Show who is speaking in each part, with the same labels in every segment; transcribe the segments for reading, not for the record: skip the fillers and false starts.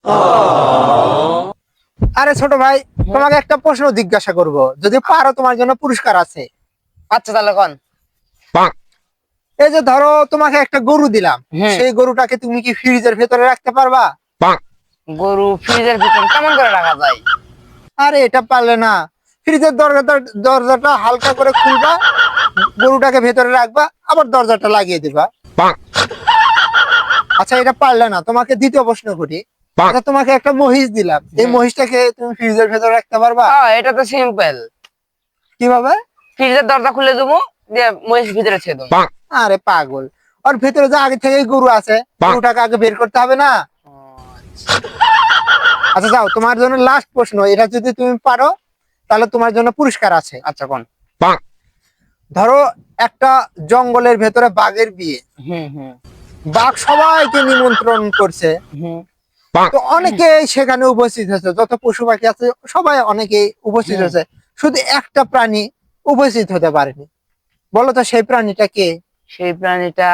Speaker 1: আরে ছোট ভাই, তোমাকে একটা প্রশ্ন জিজ্ঞাসা করব, যদি পারো তোমার জন্য পুরস্কার আছে।
Speaker 2: আচ্ছা তাহলে কোন।
Speaker 1: এই যে ধরো তোমাকে একটা গরু দিলাম,
Speaker 2: হুম।
Speaker 1: সেই গরুটাকে তুমি কি ফ্রিজের ভেতরে রাখতে পারবা?
Speaker 2: গরু ফ্রিজের ভিতরে কেমন করে রাখা যায়?
Speaker 1: আরে এটা পারলে না, ফ্রিজের দরজাটা হালকা করে খুলবা, গরুটাকে ভেতরে রাখবা, আবার দরজাটা লাগিয়ে দিবা। আচ্ছা এটা পারলে না, তোমাকে দ্বিতীয় প্রশ্ন করি। আচ্ছা তোমাকে একটা মহিষ দিলাম, এই মহিষটাকে তুমি ফ্রিজের ভেতরে রাখতে পারবা?
Speaker 2: হ্যাঁ এটা তো সিম্পল।
Speaker 1: কিভাবে?
Speaker 2: ফ্রিজের দরজা খুলে দেবো, দিয়ে মহিষ ভিতরে ছেড়ে দেবো।
Speaker 1: আরে পাগল, ওর ভেতরে যে আগে থেকে গরু আছে, গরুটাকে আগে বের করতে হবে না? আচ্ছা যাও, তোমার জন্য লাস্ট প্রশ্ন, এটা যদি তুমি পারো তাহলে তোমার জন্য পুরস্কার আছে।
Speaker 2: আচ্ছা কোন।
Speaker 1: ধরো একটা জঙ্গলের ভেতরে বাঘের বিয়ে,
Speaker 2: হুম হুম
Speaker 1: বাঘ সবাইকে নিমন্ত্রণ করছে,
Speaker 2: হুম।
Speaker 1: তো অনেকেই সেখানে উপস্থিত হয়েছে, যত পশু পাখি আছে সবাই অনেকেই উপস্থিত হয়েছে, শুধু একটা প্রাণী উপস্থিত হতে পারেনি। বলো তো সেই প্রাণীটা কে?
Speaker 2: সেই প্রাণীটা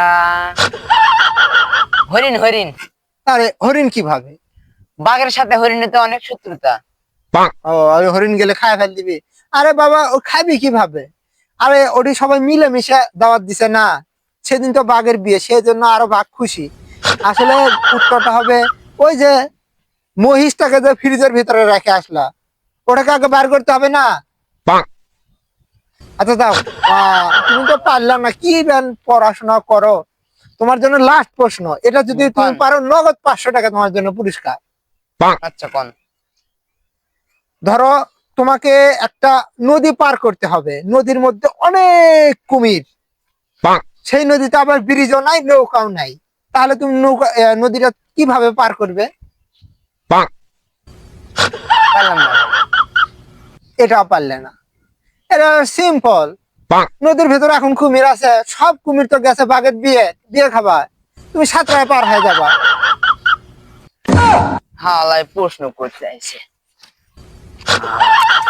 Speaker 2: হরিণ। হরিণ।
Speaker 1: আরে হরিণ কিভাবে?
Speaker 2: বাঘের সাথে হরিণের তো অনেক শত্রুতা।
Speaker 1: ও, আরে হরিণ গেলে খায় ফেল দিবি? আরে বাবা, ও খাবি কিভাবে? আরে ওটি সবাই মিলেমিশে দাওয়াত দিছে না, সেদিন তো বাঘের বিয়ে, সেজন্য আরো বাঘ খুশি। আসলে উত্তরটা হবে ওই যে মহিষটাকে যে ফ্রিজের ভিতরে রেখে আসলা, ওটাকে আগে বার করতে হবে না? আচ্ছা দাও, তুমি তো পারলাম না, কি ব্যান পড়াশোনা করো। তোমার জন্য লাস্ট প্রশ্ন, এটা যদি তুমি পারো নগদ 500 টাকা তোমার জন্য পুরস্কার।
Speaker 2: আচ্ছা কোন।
Speaker 1: ধরো তোমাকে একটা নদী পার করতে হবে, নদীর মধ্যে অনেক কুমির, সেই নদীতে আবার ব্রিজও নাই, নৌকাও নাই, তাহলে তুমি নদীটা কিভাবে পার করবে?
Speaker 2: পারলাম না।
Speaker 1: এটাও পারলে না? এটা সিম্পল। নদীর ভেতরে এখন কুমির আছে, সব কুমির তো গেছে বাঘের বিয়ে, বিয়ে খাবা, তুমি সাঁতরায় পার হয়ে যাবা।
Speaker 2: হালাই প্রশ্ন করতে আইছে।